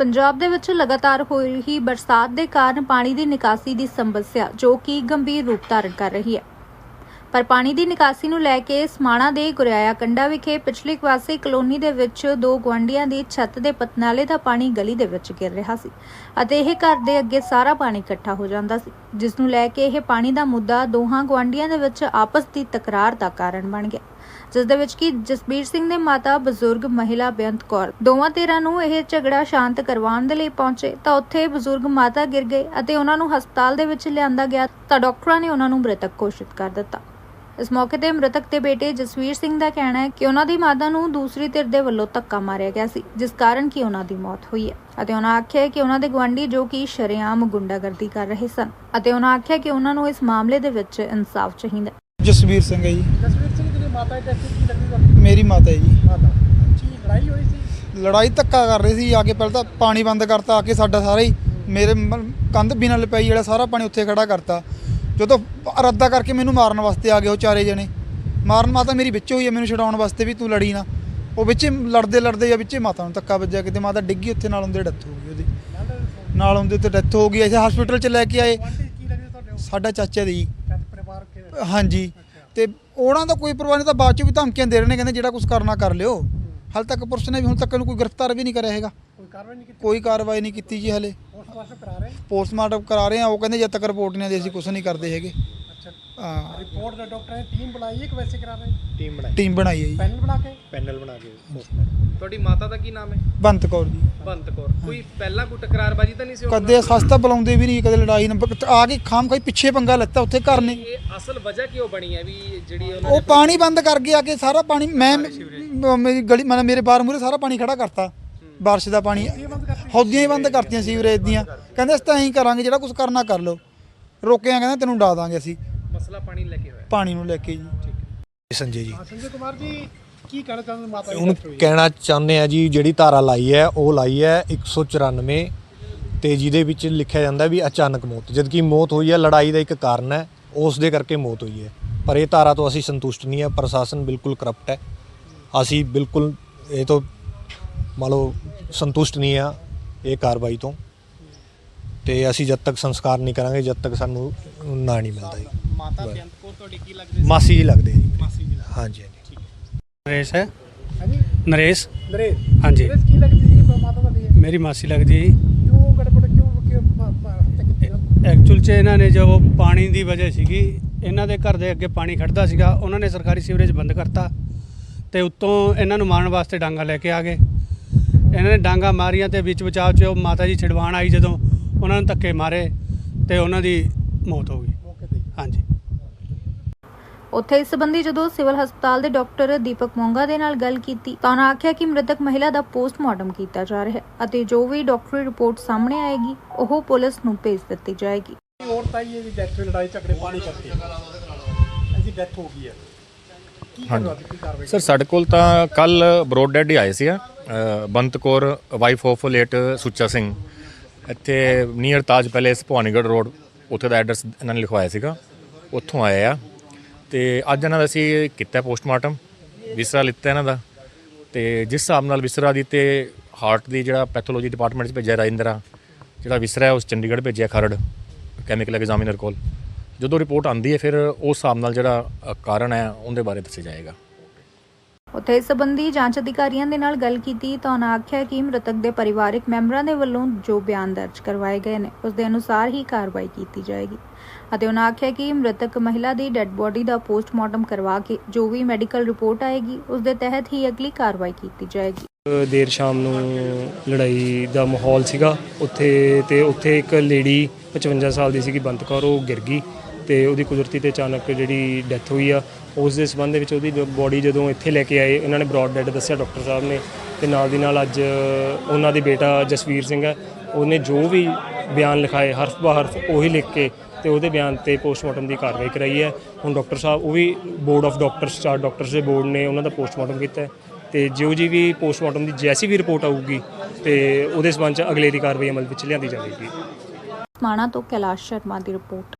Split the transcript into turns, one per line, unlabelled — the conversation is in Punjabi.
ਪੰਜਾਬ ਦੇ ਵਿੱਚ ਲਗਾਤਾਰ ਹੋ ਰਹੀ ਬਰਸਾਤ ਦੇ ਕਾਰਨ ਪਾਣੀ ਦੀ ਨਿਕਾਸੀ ਦੀ ਸਮੱਸਿਆ ਜੋ ਕਿ ਗੰਭੀਰ ਰੂਪ ਧਾਰਨ ਕਰ ਰਹੀ ਹੈ। ਪਰ ਪਾਣੀ ਦੀ ਨਿਕਾਸੀ ਨੂੰ ਲੈ ਕੇ ਸਮਾਣਾ ਦੇ ਗੁਰਿਆਇਆ ਕੰਡਾ ਵਿਖੇ ਪਿਛਲੇ ਕਵਾਸੀ ਕਲੋਨੀ ਦੇ ਵਿੱਚ ਦੋ ਗੁਆਂਢੀਆਂ ਦੀ ਛੱਤ ਦੇ ਪਤਨਾਲੇ ਦਾ ਪਾਣੀ ਗਲੀ ਦੇ ਵਿੱਚ ਗਿਰ ਰਿਹਾ ਸੀ ਅਤੇ ਇਹ ਘਰ ਦੇ ਅੱਗੇ ਸਾਰਾ ਪਾਣੀ ਇਕੱਠਾ ਹੋ ਜਾਂਦਾ ਸੀ, ਜਿਸ ਨੂੰ ਲੈ ਕੇ ਇਹ ਪਾਣੀ ਦਾ ਮੁੱਦਾ ਦੋਹਾਂ ਗੁਆਂਢੀਆਂ ਦੇ ਵਿੱਚ ਆਪਸ ਦੀ ਤਕਰਾਰ ਦਾ ਕਾਰਨ ਬਣ ਗਿਆ, ਜਿਸ ਦੇ ਵਿੱਚ ਕਿ ਜਸਬੀਰ ਸਿੰਘ ਦੇ ਮਾਤਾ ਬਜ਼ੁਰਗ ਮਹਿਲਾ ਬੇਅੰਤ ਕੌਰ ਦੋਵਾਂ ਧਿਰਾਂ ਨੂੰ ਇਹ ਝਗੜਾ ਸ਼ਾਂਤ ਕਰਵਾਉਣ ਦੇ ਲਈ ਪਹੁੰਚੇ ਤਾਂ ਉੱਥੇ ਬਜ਼ੁਰਗ ਮਾਤਾ ਗਿਰ ਗਏ ਅਤੇ ਉਹਨਾਂ ਨੂੰ ਹਸਪਤਾਲ ਦੇ ਵਿੱਚ ਲਿਆਂਦਾ ਗਿਆ ਤਾਂ ਡਾਕਟਰਾਂ ਨੇ ਉਹਨਾਂ ਨੂੰ ਮ੍ਰਿਤਕ ਘੋਸ਼ਿਤ ਕਰ ਦਿੱਤਾ। ਇਸ ਮੌਕੇ ਤੇ ਮ੍ਰਿਤਕ ਦੇ ਬੇਟੇ ਜਸਵੀਰ ਸਿੰਘ ਦਾ ਕਹਿਣਾ ਹੈ ਕਿ ਉਹਨਾਂ ਦੀ ਮਾਤਾ ਨੂੰ ਦੂਸਰੀ ਧਿਰ ਦੇ ਵੱਲੋਂ ਧੱਕਾ ਮਾਰਿਆ ਗਿਆ ਸੀ, ਜਿਸ ਕਾਰਨ ਕਿ ਉਹਨਾਂ ਦੀ ਮੌਤ ਹੋਈ ਹੈ ਅਤੇ ਉਹਨਾਂ ਆਖਿਆ ਕਿ ਉਹਨਾਂ ਦੇ ਗੁਆਂਢੀ ਜੋ ਕਿ ਸ਼ਰੇਆਮ ਗੁੰਡਾਗਰਦੀ ਕਰ ਰਹੇ ਸਨ ਅਤੇ ਉਹਨਾਂ ਆਖਿਆ ਕਿ ਉਹਨਾਂ ਨੂੰ ਇਸ ਮਾਮਲੇ ਦੇ ਵਿੱਚ ਇਨਸਾਫ ਚਾਹੀਦਾ।
ਜਸਵੀਰ ਸਿੰਘ ਹੈ ਜੀ।
ਜਸਵੀਰ ਸਿੰਘ ਦੀ ਮਾਤਾ ਦੀ ਕੀ ਲੱਗਦੀ ਤੁਹਾਨੂੰ?
ਮੇਰੀ ਮਾਤਾ ਹੈ ਜੀ।
ਮਾਤਾ ਜੀ ਲੜਾਈ ਹੋਈ ਸੀ?
ਲੜਾਈ ਧੱਕਾ ਕਰ ਰਹੀ ਸੀ, ਆ ਕੇ ਪਹਿਲਾਂ ਤਾਂ ਪਾਣੀ ਬੰਦ ਕਰਤਾ, ਆ ਕੇ ਸਾਡਾ ਸਾਰਾ ਹੀ ਮੇਰੇ ਕੰਧ ਬਿਨਾਂ ਲਪਾਈ ਜਿਹੜਾ ਸਾਰਾ ਪਾਣੀ ਉੱਥੇ ਖੜਾ ਕਰਤਾ। ਜਦੋਂ ਰੱਦਾ ਕਰਕੇ ਮੈਨੂੰ ਮਾਰਨ ਵਾਸਤੇ ਆ ਗਏ ਉਹ ਚਾਰੇ ਜਣੇ, ਮਾਰਨ ਮਾਤਾ ਮੇਰੀ ਵਿੱਚ ਹੋਈ ਹੈ ਮੈਨੂੰ ਛਡਾਉਣ ਵਾਸਤੇ ਵੀ ਤੂੰ ਲੜੀ ਨਾ, ਉਹ ਵਿੱਚੇ ਲੜਦੇ ਜਾਂ ਵਿੱਚੇ ਮਾਤਾ ਨੂੰ ਧੱਕਾ ਵੱਜਿਆ, ਕਿਤੇ ਮਾਤਾ ਡਿੱਗੀ ਉੱਥੇ ਨਾਲ ਉਹਦੇ ਡੈਥ ਹੋ ਗਈ, ਉਹਦੀ ਨਾਲ ਉਹਦੇ ਤੇ ਡੈਥ ਹੋ ਗਈ। ਅਸੀਂ ਹਸਪੀਟਲ 'ਚ ਲੈ ਕੇ ਆਏ।
ਕੀ ਲੱਗਦੀ ਤੁਹਾਡੇ?
ਸਾਡਾ ਚਾਚਾ ਦੀ
ਪਰਿਵਾਰ ਕੇ?
ਹਾਂਜੀ, ਤੇ ਉਹਨਾਂ ਦਾ ਕੋਈ ਪਰਵਾਹ ਨਹੀਂ, ਤਾਂ ਬਾਅਦ 'ਚ ਵੀ ਧਮਕੀਆਂ ਦੇ ਰਹੇ ਨੇ, ਕਹਿੰਦੇ ਜਿਹੜਾ ਕੁਝ ਕਰਨਾ ਕਰ ਲਿਓ। ਹਾਲੇ ਤੱਕ ਪੁਲਿਸ ਨੇ ਵੀ ਹੁਣ ਤੱਕ ਕੋਈ ਗ੍ਰਿਫਤਾਰ ਵੀ ਨਹੀਂ ਕਰਿਆ ਹੈਗਾ,
ਕੋਈ ਕਾਰਵਾਈ ਨਹੀਂ ਕੀਤੀ?
ਕੋਈ ਕਾਰਵਾਈ ਨਹੀਂ ਕੀਤੀ ਜੀ। ਹਲੇ
ਪੋਸਟਮਾਰਟਮ ਕਰਾ ਰਹੇ?
ਉਹ ਕਹਿੰਦੇ ਜਦ ਤੱਕ ਰਿਪੋਰਟ ਨਹੀਂ ਆਉਂਦੀ ਅਸੀਂ ਕੁਝ ਨਹੀਂ ਕਰਦੇ ਹੈਗੇ।
ਅੱਛਾ,
ਹਾਂ,
ਰਿਪੋਰਟ ਦਾ ਡਾਕਟਰ ਨੇ ਟੀਮ ਬਣਾਈ ਹੈ ਕਿ ਵੈਸੇ ਕਰਾ ਰਹੇ?
ਟੀਮ ਬਣਾਈ ਹੈ ਜੀ,
ਪੈਨਲ ਬਣਾ ਕੇ ਪੋਸਟਮਾਰਟਮ।
ਤੁਹਾਡੀ ਮਾਤਾ ਦਾ ਕੀ ਨਾਮ ਹੈ?
ਬੰਤ ਕੌਰ ਜੀ।
ਬੰਤ ਕੌਰ। ਕੋਈ ਪਹਿਲਾਂ ਕੋਈ ਟਕਰਾਰਬਾਜੀ ਤਾਂ ਨਹੀਂ ਸੀ?
ਕਦੇ ਸਸਤਾ ਬੁਲਾਉਂਦੇ ਵੀ ਨਹੀਂ, ਕਦੇ ਲੜਾਈ ਆ ਕੇ ਖਾਮ ਖਾਈ ਪਿੱਛੇ ਪੰਗਾ ਲੱਤਾ ਉੱਥੇ ਘਰ ਨੇ।
ਇਹ ਅਸਲ ਵਜ੍ਹਾ ਕਿਉਂ ਬਣੀ ਹੈ ਵੀ ਜਿਹੜੀ
ਉਹ ਪਾਣੀ ਬੰਦ ਕਰ ਗਿਆ ਕਿ ਸਾਰਾ ਪਾਣੀ ਮੈਂ ਮੇਰੀ ਗਲੀ ਮਤਲਬ ਮੇਰੇ ਬਾਹਰ ਮੂਹਰੇ ਸਾਰਾ ਪਾਣੀ ਖੜਾ ਕਰਤਾ, ਬਾਰਿਸ਼ ਦਾ ਪਾਣੀ, ਹੌਦੀਆਂ ਹੀ ਬੰਦ ਕਰਤੀਆਂ ਸੀਵਰੇਜ ਦੀਆਂ। ਕਹਿੰਦੇ ਅਸੀਂ ਤਾਂ ਐਂ ਕਰਾਂਗੇ ਜਿਹੜਾ ਕੁਝ ਕਰਨਾ ਕਰ ਲਓ, ਰੋਕਿਆ ਕਹਿੰਦੇ ਤੈਨੂੰ ਡਾ ਦਾਂਗੇ ਅਸੀਂ।
ਮਸਲਾ ਪਾਣੀ ਲੈ ਕੇ ਹੋਇਆ?
ਪਾਣੀ ਨੂੰ ਲੈ ਕੇ ਜੀ।
ਸੰਜੇ ਜੀ।
ਸੰਜੇ ਕੁਮਾਰ ਜੀ ਕੀ ਕਹਿਣਾ ਚਾਹੁੰਦੇ ਮਾਤਾ
ਹੁਣ ਕਹਿਣਾ ਚਾਹੁੰਦੇ ਆ ਜੀ, ਜਿਹੜੀ ਧਾਰਾ ਲਾਈ ਹੈ ਉਹ ਲਾਈ ਹੈ 194 ਤੇ ਜਿਹਦੇ ਵਿੱਚ ਲਿਖਿਆ ਜਾਂਦਾ ਵੀ ਅਚਾਨਕ ਮੌਤ, ਜਦਕਿ ਮੌਤ ਹੋਈ ਹੈ ਲੜਾਈ ਦਾ ਇੱਕ ਕਾਰਨ ਹੈ, ਉਸ ਦੇ ਕਰਕੇ ਮੌਤ ਹੋਈ ਹੈ। ਪਰ ਇਹ ਧਾਰਾ ਤੋਂ ਅਸੀਂ ਸੰਤੁਸ਼ਟ ਨਹੀਂ ਹੈ, ਪ੍ਰਸ਼ਾਸਨ ਬਿਲਕੁਲ ਕਰਪਟ ਹੈ, ਅਸੀਂ ਬਿਲਕੁਲ ਇਹ ਤੋਂ ਮੰਨ ਲਓ ਸੰਤੁਸ਼ਟ ਨਹੀਂ ਆ ਇਹ ਕਾਰਵਾਈ ਤੋਂ, ਤੇ ਅਸੀਂ ਜਦ ਤੱਕ ਸੰਸਕਾਰ ਨਹੀਂ ਕਰਾਂਗੇ ਜਦ ਤੱਕ ਸਾਨੂੰ ਨਾ ਨਹੀਂ ਮਿਲਦਾ ਜੀ।
ਮਾਤਾ ਬੇਅੰਤ ਕੌਰ ਤੁਹਾਡੀ ਕੀ ਲੱਗਦੀ?
ਮਾਸੀ ਜੀ ਲੱਗਦੇ ਜੀ।
ਮਾਸੀ ਜੀ।
ਹਾਂਜੀ ਹਾਂਜੀ।
नरेश है।
ਹਾਂਜੀ
नरेश।
ਨਰੇਸ਼?
हाँ जी,
ਨਰੇਸ਼ ਕੀ ਲੱਗਦੀ ਸੀ ਮਾਤਾ ਤੁਹਾਡੀ?
मेरी मासी लगती है।
ਕਿਉਂ ਗੜਬੜ ਕਿਉਂ ਹੱਤਿਆ ਕੀਤੀ?
ਐਕਚੁਅਲ 'ਚ ਇਹਨਾਂ ਨੇ ਜੋ ਪਾਣੀ ਦੀ ਵਜ੍ਹਾ ਸੀਗੀ, ਇਹਨਾਂ ਦੇ ਘਰ ਦੇ ਅੱਗੇ ਪਾਣੀ ਖੜਦਾ ਸੀਗਾ, ਉਹਨਾਂ ਨੇ ਸਰਕਾਰੀ ਸੀਵਰੇਜ ਬੰਦ ਕਰਤਾ ਤੇ ਉੱਤੋਂ ਇਹਨਾਂ ਨੂੰ ਮਾਰਨ ਵਾਸਤੇ ਡਾਂਗਾ ਲੈ ਕੇ ਆ ਗਏ। ਇਹਨਾਂ ਨੇ ਡਾਂਗਾ ਮਾਰੀਆਂ ਤੇ ਵਿੱਚ ਬਚਾਅ 'ਚ ਉਹ ਮਾਤਾ ਜੀ ਛਡਵਾਣ ਆਈ, ਜਦੋਂ ਉਹਨਾਂ ਨੂੰ ਧੱਕੇ ਮਾਰੇ ਤੇ ਉਹਨਾਂ ਦੀ ਮੌਤ ਹੋ ਗਈ।
ਮੌਕੇ ਤੇ?
ਹਾਂਜੀ।
ਉੱਥੇ ਇਸ ਸੰਬੰਧੀ ਜਦੋਂ ਸਿਵਲ ਹਸਪਤਾਲ ਦੇ ਡਾਕਟਰ ਦੀਪਕ ਮੋਂਗਾ ਦੇ ਨਾਲ ਗੱਲ ਕੀਤੀ ਤਾਂ ਉਹਨਾਂ ਆਖਿਆ ਕਿ ਮ੍ਰਿਤਕ ਮਹਿਲਾ ਦਾ ਪੋਸਟਮਾਰਟਮ ਕੀਤਾ ਜਾ ਰਿਹਾ ਹੈ ਅਤੇ ਜੋ ਵੀ ਡਾਕਟਰੀ ਰਿਪੋਰਟ ਸਾਹਮਣੇ ਆਏਗੀ ਉਹ ਪੁਲਿਸ ਨੂੰ ਭੇਜ ਦਿੱਤੀ ਜਾਏਗੀ।
ਔਰਤ ਆਈ ਹੈ ਜੀ, ਡੈਥ ਹੋਈ ਲੜਾਈ ਝਗੜੇ ਪਾਣੀ ਕਰਕੇ, ਇਹਦੀ ਡੈਥ ਹੋ ਗਈ ਹੈ, ਕੀ ਕਾਰਵਾਈ?
ਸਰ ਸਾਡੇ ਕੋਲ ਤਾਂ ਕੱਲ ਬਰੋਡ ਡੈਡ ਹੀ ਆਏ ਸੀ Bant Kaur wife of late Sucha Singh, ਇੱਥੇ near Taj palace Bhawanigarh road, ਉੱਥੇ ਦਾ ਐਡਰੈਸ ਇਹਨਾਂ ਨੇ ਲਿਖਵਾਇਆ ਸੀਗਾ, ਉੱਥੋਂ ਆਏ ਆ। ਤੇ ਅੱਜ ਇਹਨਾਂ ਦਾ ਅਸੀਂ ਕੀਤਾ ਪੋਸਟਮਾਰਟਮ, ਵਿਸਰਾ ਲਿੱਤਾ ਇਹਨਾਂ ਦਾ, ਤੇ ਜਿਸ ਹਿਸਾਬ ਨਾਲ ਵਿਸਰਾ ਦੀ ਤੇ ਹਾਰਟ ਦੀ ਜਿਹੜਾ ਪੈਥੋਲੋਜੀ ਡਿਪਾਰਟਮੈਂਟ 'ਚ ਭੇਜਿਆ ਰਾਜਿੰਦਰਾ, ਜਿਹੜਾ ਵਿਸਰਾ ਹੈ ਉਸ ਚੰਡੀਗੜ੍ਹ ਭੇਜਿਆ ਖਰੜ ਕੈਮੀਕਲ ਐਗਜ਼ਾਮੀਨਰ ਕੋਲ। ਜਦੋਂ ਰਿਪੋਰਟ ਆਉਂਦੀ ਹੈ ਫਿਰ ਉਸ ਹਿਸਾਬ ਨਾਲ ਜਿਹੜਾ ਕਾਰਨ ਹੈ ਉਹਦੇ ਬਾਰੇ ਦੱਸਿਆ ਜਾਏਗਾ।
ਉੱਥੇ ਇਸ ਸੰਬੰਧੀ ਜਾਂਚ ਅਧਿਕਾਰੀਆਂ ਦੇ ਨਾਲ ਗੱਲ ਕੀਤੀ ਤਾਂ ਉਹਨਾਂ ਆਖਿਆ ਕਿ ਮ੍ਰਿਤਕ ਦੇ ਪਰਿਵਾਰਕ ਮੈਂਬਰਾਂ ਦੇ ਵੱਲੋਂ ਜੋ ਬਿਆਨ ਦਰਜ ਕਰਵਾਏ ਗਏ ਨੇ ਉਸ ਦੇ ਅਨੁਸਾਰ ਹੀ ਕਾਰਵਾਈ ਕੀਤੀ ਜਾਏਗੀ ਅਤੇ ਉਹਨਾਂ ਆਖਿਆ ਕਿ ਮ੍ਰਿਤਕ ਮਹਿਲਾ ਦੀ ਡੈੱਡ ਬੋਡੀ ਦਾ ਪੋਸਟਮਾਰਟਮ ਕਰਵਾ ਕੇ ਜੋ ਵੀ ਮੈਡੀਕਲ ਰਿਪੋਰਟ ਆਏਗੀ ਉਸ ਦੇ ਤਹਿਤ ਹੀ ਅਗਲੀ ਕਾਰਵਾਈ ਕੀਤੀ ਜਾਏਗੀ।
ਦੇਰ ਸ਼ਾਮ ਨੂੰ ਲੜਾਈ ਦਾ ਮਾਹੌਲ ਸੀਗਾ ਉੱਥੇ, ਤੇ ਉੱਥੇ ਇੱਕ ਲੇਡੀ 55 ਸਾਲ ਦੀ ਸੀਗੀ ਬੰਤ ਕੌਰ, ਉਹ ਗਿਰ ਗਈ ਤੇ ਉਹਦੀ ਕੁਦਰਤੀ ਤੇ ਅਚਾਨਕ ਜਿਹੜੀ ਡੈਥ ਹੋਈ ਆ, ਉਸ ਦੇ ਸੰਬੰਧ ਵਿੱਚ ਉਹਦੀ ਬੋਡੀ ਜਦੋਂ ਇੱਥੇ ਲੈ ਕੇ ਆਏ ਉਹਨਾਂ ਨੇ ਬਰੋਡ ਡੈਡ ਦੱਸਿਆ ਡਾਕਟਰ ਸਾਹਿਬ ਨੇ, ਤੇ ਨਾਲ ਦੀ ਨਾਲ ਅੱਜ ਉਹਨਾਂ ਦੇ ਬੇਟਾ ਜਸਵੀਰ ਸਿੰਘ ਹੈ, ਉਹਨੇ ਜੋ ਵੀ ਬਿਆਨ ਲਿਖਾਏ ਹਰਫ ਬਾ ਹਰਫ ਉਹੀ ਲਿਖ ਕੇ ਤੇ ਉਹਦੇ ਬਿਆਨ ਤੇ ਪੋਸਟਮਾਰਟਮ ਦੀ ਕਾਰਵਾਈ ਕਰਾਈ ਹੈ। ਹੁਣ ਡਾਕਟਰ ਸਾਹਿਬ ਉਹ ਵੀ ਬੋਰਡ ਆਫ ਡਾਕਟਰਸ, 4 ਡਾਕਟਰਸ ਦੇ ਬੋਰਡ ਨੇ ਉਹਨਾਂ ਦਾ ਪੋਸਟਮਾਰਟਮ ਕੀਤਾ ਤੇ ਜੋ ਜੀ ਵੀ ਪੋਸਟਮਾਰਟਮ ਦੀ ਜੈਸੀ ਵੀ ਰਿਪੋਰਟ ਆਊਗੀ ਤੇ ਉਹਦੇ ਸੰਬੰਧ 'ਚ ਅਗਲੇਰੀ ਕਾਰਵਾਈ ਅਮਲ ਵਿੱਚ ਲਿਆਂਦੀ ਜਾਵੇਗੀ।
ਸਮਾਣਾ ਤੋਂ ਕੈਲਾਸ਼ ਸ਼ਰਮਾ ਦੀ ਰਿਪੋਰਟ।